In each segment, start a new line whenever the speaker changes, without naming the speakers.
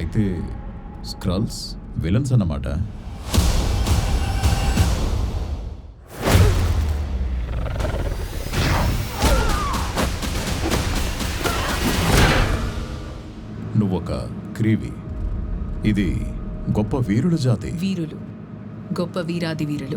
అయితే Skrulls villains అన్నమాట. నువ్వొక క్రీవి. ఇది గొప్ప వీరుల జాతి.
వీరులు, గొప్ప వీరాది వీరులు.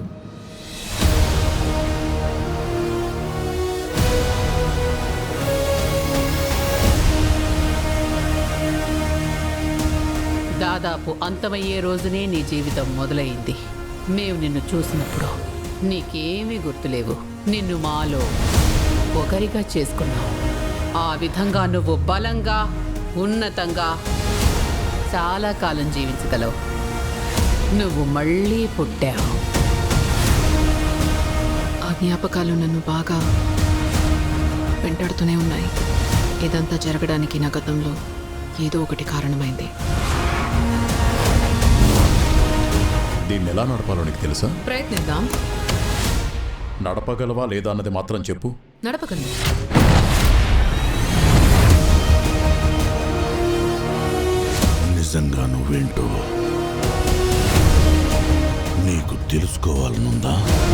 దాదాపు అంతమయ్యే రోజునే నీ జీవితం మొదలైంది. మేము నిన్ను చూసినప్పుడు నీకేమీ గుర్తులేవు. నిన్ను మాలో ఒకరిగా చేసుకున్నావు. ఆ విధంగా నువ్వు బలంగా, ఉన్నతంగా చాలా కాలం జీవించగలవు. నువ్వు మళ్ళీ పుట్టావు.
ఆ జ్ఞాపకాలు నన్ను బాగా వెంటాడుతూనే ఉన్నాయి. ఇదంతా జరగడానికి నా గతంలో ఏదో ఒకటి కారణమైంది.
దీన్ని ఎలా నడపాలో నీకు తెలుసా?
ప్రయత్నిద్దాం.
నడపగలవా లేదా అన్నది మాత్రం చెప్పు.
నడపగలను.
నిజంగా నువ్వేంటో నీకు తెలుసుకోవాలనుందా?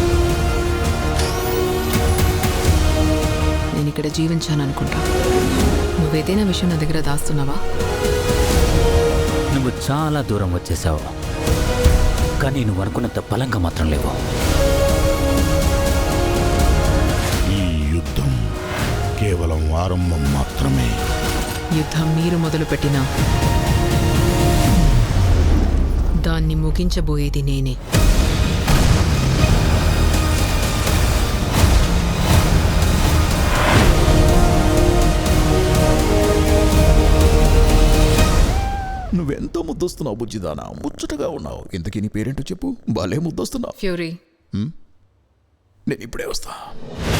నేను ఇక్కడ జీవించాననుకుంటా. నువ్వేదైనా విషయం నా దగ్గర దాస్తున్నావా?
నువ్వు చాలా దూరం వచ్చేసావు, కానీ నువ్వు అనుకున్నంత బలంగా మాత్రం లేవు.
ఈ యుద్ధం కేవలం ఆరంభం మాత్రమే.
యుద్ధం మీరు మొదలుపెట్టినా దాన్ని ముగించబోయేది నేనే.
నువ్వెంతో ముద్దొస్తున్నావు బుజ్జిదానా, ముచ్చటగా ఉన్నావు. ఇంతకీ నీ పేరేంటో చెప్పు. భలే ముద్దొస్తున్నావు.
ఫ్యూరీ.
నేను ఇప్పుడే వస్తా.